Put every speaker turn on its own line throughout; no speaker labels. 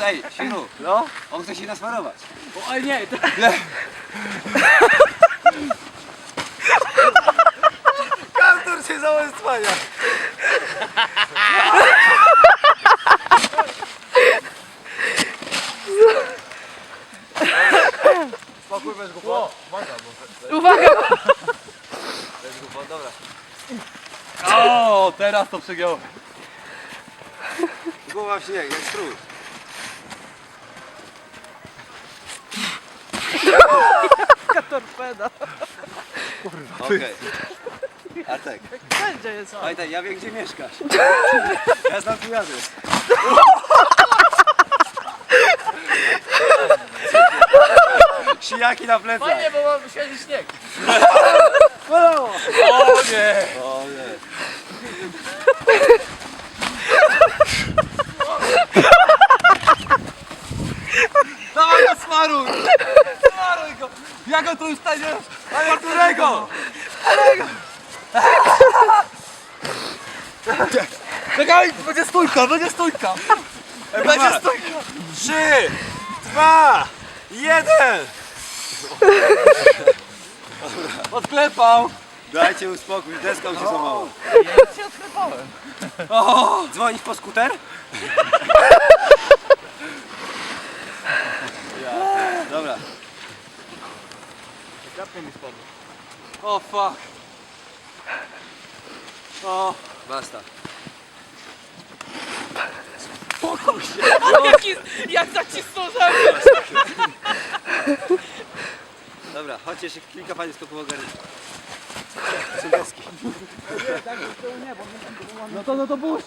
Ej, Świru,
No?
on chce się nasmarować.
Oj nie, to...
Kaptur się załęstwania. Spokój, weź go po.
Uwaga!
Weź go po, dobra.
O, teraz to przegiąłem.
Głowa w śnieg, jak strój.
Jaka torpeda.
Okej. Artek,
Wszędzie jest.
pamiętaj, ja wiem gdzie mieszkasz. Ja znam twój adres. Sijaki na plecach.
Fajnie, bo mam świeży śnieg.
O
nie!
O nie.
Dawaj go smaruj! Smaruj go! Ja go tu już stanie! Ale którego? Czekaj, będzie stójka, będzie stójka! Będzie stójka!
3, 2, 1.
Odklepał!
Dajcie uspokój, deską się złamała.
Ja cię odklepałem.
Dzwonić po skuter? Dobra.
Kapnie mi spadł. O fuck. O,
Basta.
spokój się. Jak zacisnął ze mnie.
Dobra, chodźcie jeszcze kilka pani skoków ogarnąć. Są deski.
No to puść.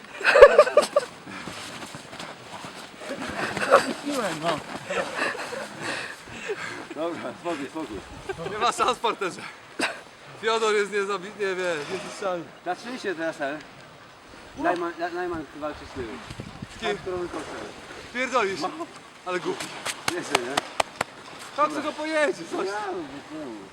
Dobra, spokój, spokój.
Nie ma szans, parterze. Fiodor jest niezabitnie, niezniszczalny.
Zatrzyj się teraz, ale. Najman walczy z tyłu.
Z kim?
Którą kosztę.
Pierdolisz. Ale głupi.
Nie chcę, nie?
Tak co go pojedzie, coś.
Ja, no,